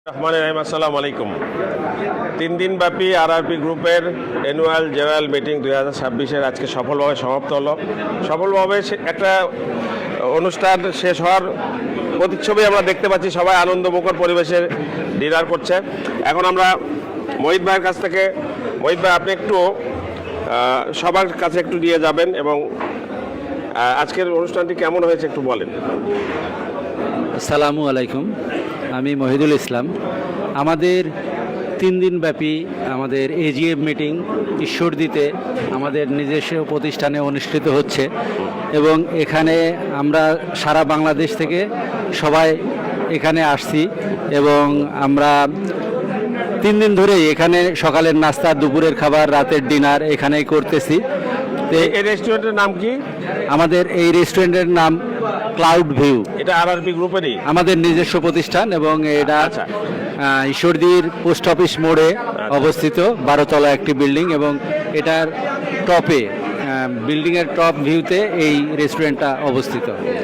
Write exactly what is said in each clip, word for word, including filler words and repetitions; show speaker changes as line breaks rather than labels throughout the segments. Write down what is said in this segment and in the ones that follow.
রহমান রহিম, আসসালামু আলাইকুম। তিন দিন ব্যাপী আরআরপি গ্রুপের অ্যানুয়াল জেনারেল মিটিং দুই হাজার ছাব্বিশের আজকে সফলভাবে সমাপ্ত হলো। সফলভাবে একটা অনুষ্ঠান শেষ হওয়ার প্রতিচ্ছবি আমরা দেখতে পাচ্ছি। সবাই আনন্দমুখর পরিবেশে ডিনার করছে। এখন আমরা মহিত ভাইয়ের কাছ থেকে, মহিত ভাই আপনি একটু সবার কাছে একটু নিয়ে যাবেন এবং আজকের অনুষ্ঠানটি কেমন হয়েছে একটু বলেন।
আসসালামু আলাইকুম, আমি মহিদুল ইসলাম। আমাদের তিন দিন ব্যাপী আমাদের এজিএফ মিটিং ঈশ্বরদীতে আমাদের নিজস্ব প্রতিষ্ঠানে অনুষ্ঠিত হচ্ছে এবং এখানে আমরা সারা বাংলাদেশ থেকে সবাই এখানে আসছি এবং আমরা তিন দিন ধরেই এখানে সকালের নাস্তা, দুপুরের খাবার, রাতের ডিনার এখানেই করতেছি।
এই রেস্টুরেন্টের নাম কি?
আমাদের এই রেস্টুরেন্টের নাম ক্লাউড ভিউ।
এটা আরআরপি গ্রুপেরই
আমাদের নিজস্ব প্রতিষ্ঠান এবং এটা
আচ্ছা।
ঈশ্বরদীর পোস্ট অফিস মোড়ে অবস্থিত বারোতলা একটি বিল্ডিং এবং এটার টপে, বিল্ডিংয়ের টপ ভিউতে এই রেস্টুরেন্টটা অবস্থিত।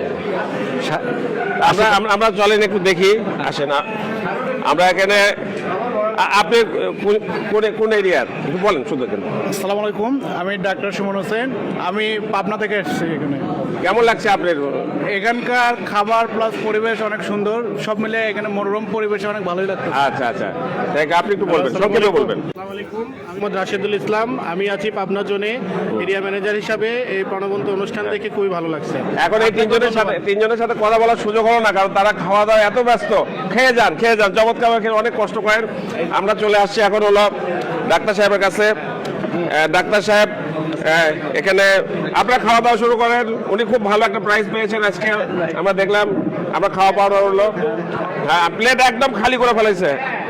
আমরা আমরা চলেন একটু দেখি, আসেন। আমরা এখানে, আপনি কোন এরিয়ার একটু বলেন শুধু।
আসসালামু আলাইকুম, আমি ডাক্তার সুমন হোসেন, আমি পাবনা থেকে এসেছি। এখানে
কেমন লাগছে আপনার?
এখানকার খাবার প্লাস পরিবেশ অনেক সুন্দর, সব মিলে এখানে মনোরম পরিবেশ অনেক ভালোই লাগছে।
আচ্ছা আচ্ছা, আপনি একটু বলবেন, সংক্ষেপে বলবেন।
আসসালামু আলাইকুম, মোহাম্মদ রাশেদুল ইসলাম, আমি আছি পাবনা জোনে এরিয়া ম্যানেজার হিসাবে। এই প্রাণবন্ত অনুষ্ঠান দেখে খুবই ভালো লাগছে।
এখন এই তিনজনের সাথে তিনজনের সাথে কথা বলার সুযোগ হলো না, কারণ তারা খাওয়া দাওয়া এত ব্যস্ত। খেয়ে যান খেয়ে যান চমৎকার খেয়ে অনেক কষ্ট করেন। আমরা চলে আসছি এখন হলো ডাক্তার সাহেবের কাছে। ডাক্তার সাহেব, এখানে আপনারা খাওয়া দাওয়া শুরু করেন। উনি খুব ভালো একটা প্রাইজ পেয়েছেন আজকে, আমরা দেখলাম। আমরা খাওয়া পাওয়া হলো, হ্যাঁ, প্লেট একদম খালি করে ফেলেছে।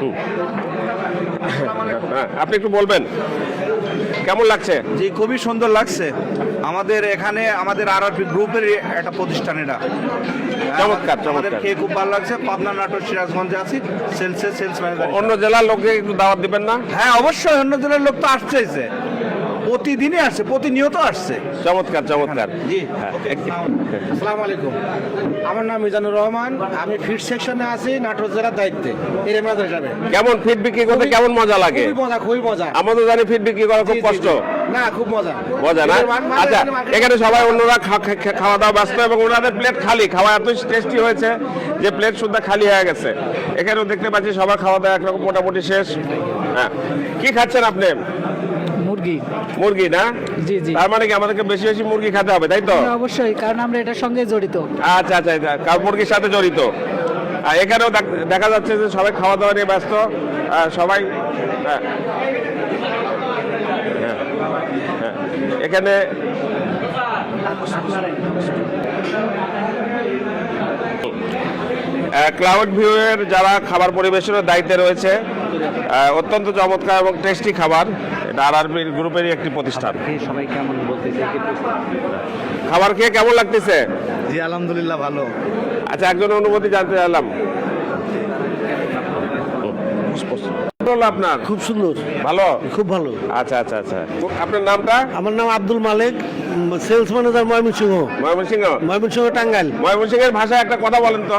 আপনি একটু বলবেন কেমন লাগছে?
জি, খুবই সুন্দর লাগছে। আমাদের এখানে আমাদের আরআরপি গ্রুপের একটা প্রতিষ্ঠান, এটা
চমৎকার
আমাদের
চমৎকার।
খেয়ে খুব ভালো লাগছে। পাবনা, নাটোর, সিরাজগঞ্জে আছি সেলসে সেলস ম্যানেজার।
অন্য জেলার লোককে একটু দাওয়াত দিবেন না?
হ্যাঁ, অবশ্যই অন্য জেলার লোক তো আসছেইছে, প্রতিদিনই আসছে, প্রতিনিয়ত আসছে।
চমৎকার চমৎকার।
জি,
আসসালামু আলাইকুম, আমার নাম মিজানুর রহমান, আমি ফিড সেকশনে আছি নাটোর জেলার দায়িত্বে এরিয়া ম্যানেজার হিসাবে।
কেমন ফিড বিক্রি করতে কেমন মজা লাগে?
খুবই মজা, খুবই মজা।
আমরা তো জানি ফিড বিক্রি করা খুব
জি, জি,
কষ্ট।
জি। না, খুব মজা
মজা না? আচ্ছা, এখানে সবাই অন্যরা খাওয়া দাওয়া ব্যস্ত এবং ওনাদের প্লেট খালি। খাওয়া এত টেস্টি হয়েছে যে প্লেট শুদ্ধ খালি হয়ে গেছে। এখানেও দেখতে পাচ্ছি সবার খাওয়া দাওয়া একরকম মোটামুটি শেষ। হ্যাঁ, কি খাচ্ছেন আপনি?
মুরগি।
মুরগি না?
জি জি,
তার মানে কি আমাদেরকে বেশি বেশি মুরগি খেতে হবে, তাই তো?
অবশ্যই, কারণ আমরা এটার সঙ্গে জড়িত।
আচ্ছা আচ্ছা আচ্ছা, কারণ মুরগির সাথে জড়িত। আর এখানেও দেখা যাচ্ছে যে সবাই খাওয়া দাওয়া নিয়ে ব্যস্ত। সবাই হ্যাঁ হ্যাঁ হ্যাঁ এখানে ক্লাউড ভিউয়ের যারা খাবার পরিবেশনের দায়িত্বে রয়েছে, অত্যন্ত চমৎকার এবং টেস্টি খাবার। এটা আরআরপি গ্রুপেরই একটি প্রতিষ্ঠান।
সবাই কেমন বলতেছে?
খাবার খেয়ে কেমন লাগতেছে?
জি, আলহামদুলিল্লাহ ভালো।
আচ্ছা, একজন অনুভূতি জানতে চাইলাম। আপনার
খুব সুন্দর,
ভালো,
খুব ভালো।
আচ্ছা আচ্ছা আচ্ছা, আপনার নামটা?
আমার নাম আব্দুল মালিক, সেলস ম্যানেজার ময়মনসিংহ।
ময়মনসিংহ?
ময়মনসিংহ টাঙ্গাইল।
ময়মনসিংহের ভাষায় একটা কথা বলেন তো।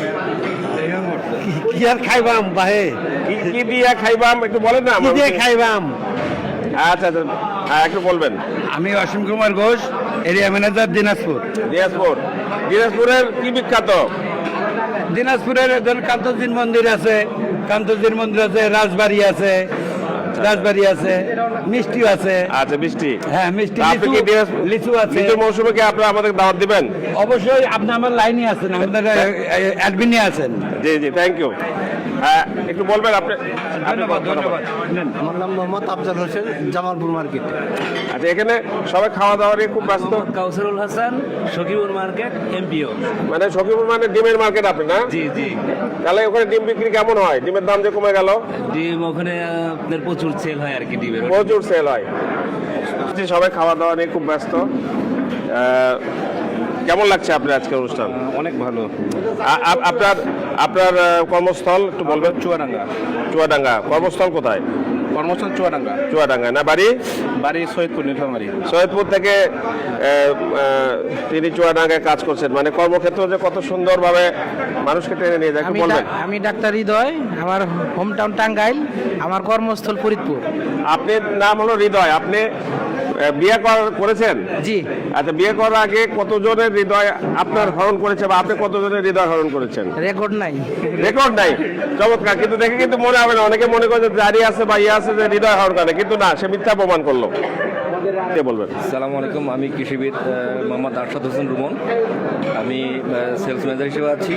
কি আর খাইবাম বাহে,
কি- কি দিয়ে খাইবাম একটু বলেন না।
কি দিয়ে খাইবাম।
আচ্ছা আচ্ছা, হ্যাঁ একটু বলবেন।
আমি অসীম কুমার ঘোষ, এরিয়া ম্যানেজার দিনাজপুর।
দিনাজপুর। দিনাজপুরের কি বিখ্যাত?
দিনাজপুরের কান্তজির মন্দির আছে, কান্তজির মন্দির আছে, রাজবাড়ি আছে, রাজবাড়ি আছে, মিষ্টি আছে।
আচ্ছা, বৃষ্টি।
হ্যাঁ, মিষ্টি,
আপনি কি
লিচু-
দিনাজপুর-
লিচু আছে।
লিচুর মৌসুমে কি আপনারা আমাদের দাওয়াত দিবেন?
অবশ্যই, আপনি আমার লাইনে আছেন, আমাদের অ্যাডমিনে আছেন।
জি জি, থ্যাংক ইউ। হ্যাঁ, একটু বলবেন আপনি।
ধন্যবাদ ধন্যবাদ।
আমার নাম মোহাম্মদ আফজাল হোসেন, জামালপুর মার্কেট।
আচ্ছা, এখানে সবাই খাওয়া দাওয়া নিয়ে খুব ব্যস্ত।
Kawsarul Hasan, Sakhipur market, MPO.
মানে সখীপুর মানে ডিমের মার্কেট আপনি না?
জি জি,
তাহলে ওখানে ডিম বিক্রি কেমন হয়? ডিমের দাম যে কমে গেল।
ডিম ওখানে আপনার প্রচুর সেল হয় আর কি, ডিমের।
প্রচুর সেল হয়। সবাই খাওয়া দাওয়া নিয়ে খুব ব্যস্ত। আহ, কেমন লাগছে আপনার আজকের অনুষ্ঠান?
অনেক ভালো।
আ- আ- আপনার আপনার আহ, কর্মস্থল একটু বলবেন।
চুয়াডাঙ্গা।
চুয়াডাঙ্গা। কর্মস্থল কোথায়?
কর্মস্থল চুয়াডাঙ্গা,
চুয়াডাঙ্গা না বাড়ি?
বাড়ি সৈয়দপুর নীলফামারী।
সৈয়দপুর থেকে আহ, আহ, তিনি চুয়াডাঙ্গায় কাজ করছেন, মানে কর্মক্ষেত্র যে কত সুন্দরভাবে মানুষকে টেনে নিয়ে যায়, একটু
আমি
বলবেন?
ডা- আমি ডাক্তার হৃদয়, আমার হোম টাউন টাঙ্গাইল, আমার কর্মস্থল ফরিদপুর।
আপনার নাম হলো হৃদয়, আপনি আহ, বিয়ে কর- করেছেন?
জি।
আচ্ছা, বিয়ে করার আগে কতজনের হৃদয় আপনার হরণ করেছে বা আপনি কতজনের হৃদয় হরণ করেছেন?
রেকর্ড নাই।
রেকর্ড নাই, চমৎকার। কিন্তু দেখে কিন্তু মনে হবে না, অনেকে মনে করে যে দাঁড়িয়ে আছে বা ইয়ে আছে যে হৃদয় হরণ করে, কিন্তু না, সে মিথ্যা প্রমাণ করলো। কে বলবেন?
সালামু আলাইকুম, আমি কৃষিবিদ আহ, মোহাম্মদ আরশাদ হোসেন রুমন। আমি সেলস ম্যানেজার হিসেবে আছি।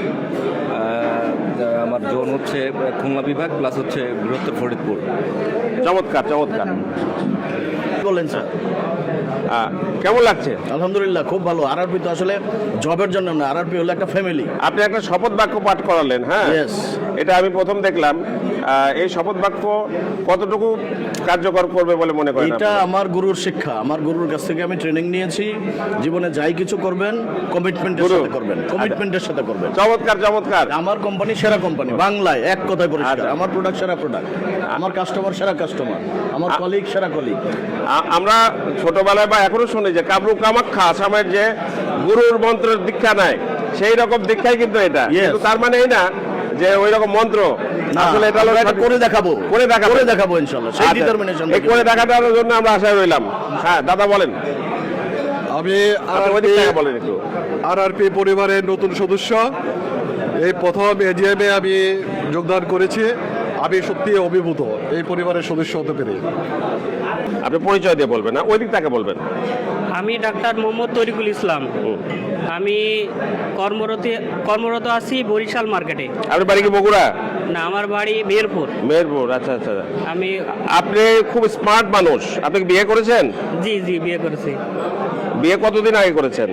আহ, আমার জোন হচ্ছে আহ, খুলনা বিভাগ প্লাস হচ্ছে বৃহত্তর ফরিদপুর।
চমৎকার চমৎকার।
বলেন স্যার।
আহ, কেমন লাগছে?
আলহামদুলিল্লাহ খুব ভালো। আরআরপি তো আসলে জবের জন্য না, আরআরপি হলো একটা ফ্যামিলি।
আপনি একটা শপথ বাক্য পাঠ করালেন, হ্যাঁ?
Yes.
এটা আমি প্রথম দেখলাম। আহ, এই শপথ বাক্য কতটুকু কার্যকর করবে বলে মনে করেন
এটা
আপনি?
আমার গুরুর শিক্ষা, আমার গুরুর কাছ থেকে আমি ট্রেনিং নিয়েছি। জীবনে যাই কিছু করবেন কমিটমেন্টের
গুরু।
সাথে করবেন, কমিটমেন্টের সাথে করবেন।
চমৎকার চমৎকার।
আমার কোম্পানি সেরা কোম্পানি, বাংলায় এক কথায় পরিষ্কার।
আচ্ছা।
আমার প্রোডাক্ট সেরা প্রোডাক্ট, আমার কাস্টমার সেরা কাস্টমার, আমার কলিগ সেরা কলিগ।
আ- আমরা ছোটবেলায় বা এখনো শুনি যে কাবরু কামাখ্যা আসামের যে গুরুর মন্ত্রের দীক্ষা নেয়, সেই রকম দীক্ষাই কিন্তু এটা।
Yes.
কিন্তু তার মানে এই না যে ওই রকম মন্ত্র, আসলে এটা হলো
আমরা এটা করে দেখাবো,
করে দেখাবো।
করে দেখাবো ইনশাআল্লাহ। সেই
আচ্ছা,
ডিটারমিনেশন
এই করে দেখাটার জন্য আমরা আশায় রইলাম। হ্যাঁ দাদা বলেন,
আমি
আপনি ওই দিক থেকে বলেন একটু।
আরআরপি পরিবারের নতুন সদস্য। এই প্রথম এজিএমে আমি যোগদান করেছি। আমি সত্যি অভিভূত এই পরিবারের সদস্য হতে পেরে।
আপনি পরিচয় দিয়ে বলবেন, না ওই দিক থেকে বলবেন?
আমি ডাক্তার মোহাম্মদ তরিকুল ইসলাম। আমি কর্মরত কর্মরত আছি বরিশাল মার্কেটে।
আপনার বাড়ি কি বগুড়া?
না, আমার বাড়ি মেহেরপুর।
মেহেরপুর, আচ্ছা আচ্ছা।
আমি
আপনি খুব স্মার্ট মানুষ, আপনি কি বিয়ে করেছেন?
জি জি বিয়ে করেছি।
বিয়ে কতদিন আগে করেছেন?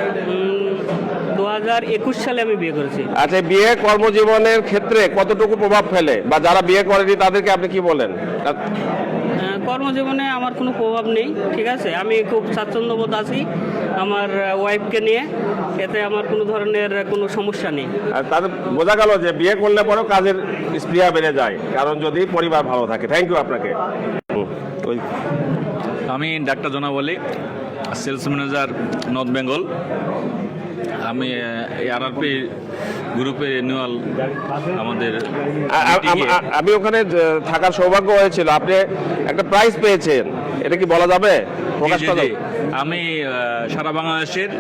দু হাজার একুশ সালে আমি বিয়ে করেছি।
আচ্ছা, বিয়ে কর্মজীবনের ক্ষেত্রে কতটুকু প্রভাব ফেলে, বা যারা বিয়ে করেনি তাদেরকে আপনি কি বলেন?
আহ, কর্মজীবনে আমার কোনো প্রভাব নেই, ঠিক আছে। আমি খুব স্বাচ্ছন্দ্যবোধ আছি আমার ওয়াইফকে নিয়ে, এতে আমার কোনো ধরনের কোনো সমস্যা নেই।
আর তাদের বোঝা গেল যে বিয়ে করলে পরেও কাজের স্পৃহা বেড়ে যায়, কারণ যদি পরিবার ভালো থাকে। থ্যাংক ইউ আপনাকে। হুম, ওই
আমি doctor Janabali, sales manager North Bengal. আমি আহ, এই আরআরপি গ্রুপের অ্যানুয়াল আমাদের
আ- আ- আম- আ- আমি ওখানে যে- থাকার সৌভাগ্য হয়েছিল। আপনি একটা প্রাইজ পেয়েছেন, এটা কি বলা যাবে? প্রকাশ
জি,
করা
জি,
যাবে?
আমি আহ, সারা বাংলাদেশের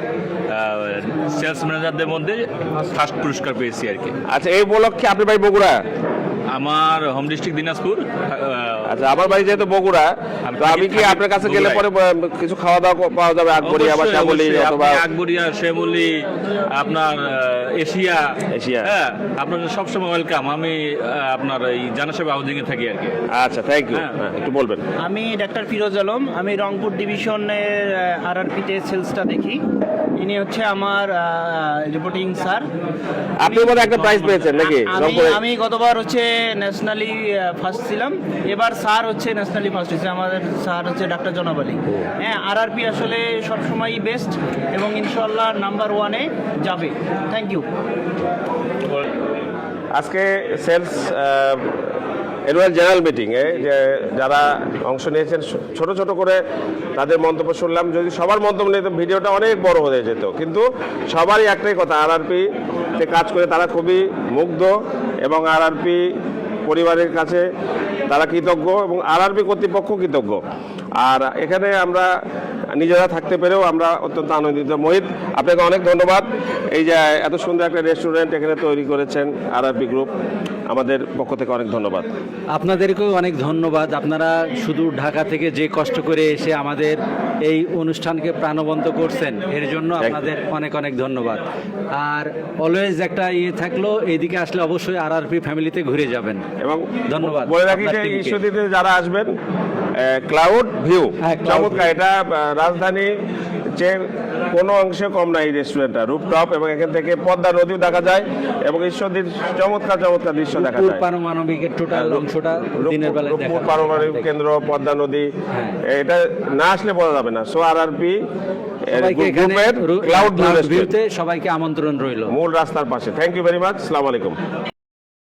সেলস ম্যানেজারদের মধ্যে ফার্স্ট পুরস্কার পেয়েছি আর কি।
আচ্ছা, এই উপলক্ষে আপনি ভাই বগুড়া?
আমার হোম ডিস্ট্রিক্ট দিনাজপুর। আহ,
আচ্ছা, আমার বাড়ি যেহেতু বগুড়া,
আমি
তো আমি কি
থাকি
আপনার কাছে গেলে
বগুড়ায়।
পরে ব- কিছু খাওয়া দাওয়া ক- পাওয়া যাবে? আকবরিয়া বা
অবশ্যই,
শ্যামলি
অবশ্যই।
অথবা
আপনি আকবরিয়া, শ্যামলি, আপনার আহ, এশিয়া
এশিয়া।
হ্যাঁ, আপনার সবসময় ওয়েলকাম। আমি আহ, আপনার এই জানাসাহেব হাউজিং এ থাকি আর কি।
আচ্ছা, থ্যাংক ইউ।
হ্যাঁ।
একটু বলবেন?
আমি ডাক্তার ফিরোজ আলম, আমি রংপুর ডিভিশনের আরআরপিতে সেলসটা দেখি। ইনি হচ্ছে আমার রিপোর্টিং স্যার।
আপনি বোধহয় একটা প্রাইজ পেয়েছেন নাকি?
আমি
রংপুরে?
আমি গতবার হচ্ছে ন্যাশনালি ফার্স্ট ছিলাম, এবার স্যার হচ্ছে ন্যাশনালি ফার্স্ট হয়েছে। আমাদের স্যার হচ্ছে ডাক্তার জনাবলী। হ্যাঁ, আরআরপি আসলে সবসময়ই বেস্ট এবং ইনশাল্লাহ নাম্বার ওয়ানে যাবে। Thank you.
আজকে সেলস অ্যানুয়াল জেনারেল মিটিংয়ে যে যারা অংশ নিয়েছেন, ছো- ছোট ছোট করে তাদের মন্তব্য শুনলাম। যদি সবার মন্তব্য নিয়ে তো ভিডিওটা অনেক বড় হয়ে যেত, কিন্তু সবারই একটাই কথা, আরআরপিতে কাজ করে তারা খুবই মুগ্ধ এবং আরআরপি পরিবারের কাছে তারা কৃতজ্ঞ এবং আরআরপি কর্তৃপক্ষ কৃতজ্ঞ। আর এখানে আমরা নিজেরা থাকতে পেরেও আমরা অত্যন্ত আনন্দিত। মোহিত, আপনাকে অনেক ধন্যবাদ। এই যে এত সুন্দর একটা রেস্টুরেন্ট এখানে তৈরি করেছেন আরআরপি গ্রুপ, আমাদের পক্ষ থেকে অনেক ধন্যবাদ।
আপনাদেরকেও অনেক ধন্যবাদ। আপনারা শুধু ঢাকা থেকে যে কষ্ট করে এসে আমাদের এই অনুষ্ঠানকে প্রাণবন্ত করছেন, এর জন্য
Thank you.
আপনাদের অনেক অনেক ধন্যবাদ। আর অলওয়েজ একটা ইয়ে থাকলো, এইদিকে আসলে অবশ্যই আরআরপি ফ্যামিলিতে ঘুরে যাবেন।
এবং
ধন্যবাদ
বলে রাখি
আপনার
যে
টিমকে।
ঈশ্বরদীতে যারা আসবেন, ক্লাউড ভিউ
হ্যাঁ, Cloud
চমৎকার। এটা আহ, রাজধানী যে কোনো অংশে কম না এই রেস্টুরেন্টটা, রুফটপ, এবং এখান থেকে পদ্মা নদীও দেখা যায় এবং ঈশ্বরদীর চমৎকার চমৎকার দৃশ্য দেখা
রূপপুর
যায়।
পারমাণবিকের টোটাল অংশটা দিনের বেলায় দেখা
রূপপুর
যায়।
পারমাণবিক কেন্দ্র, পদ্মা নদী,
হ্যাঁ।
এটা না আসলে বোঝা যাবে না। সো আরআরপি
সবাইকে এখানে
গ্রুপের ক্লাউড ভিউ
ভিউতে সবাইকে আমন্ত্রণ রইল।
মূল রাস্তার পাশে। Thank you very much. আসসালামু আলাইকুম।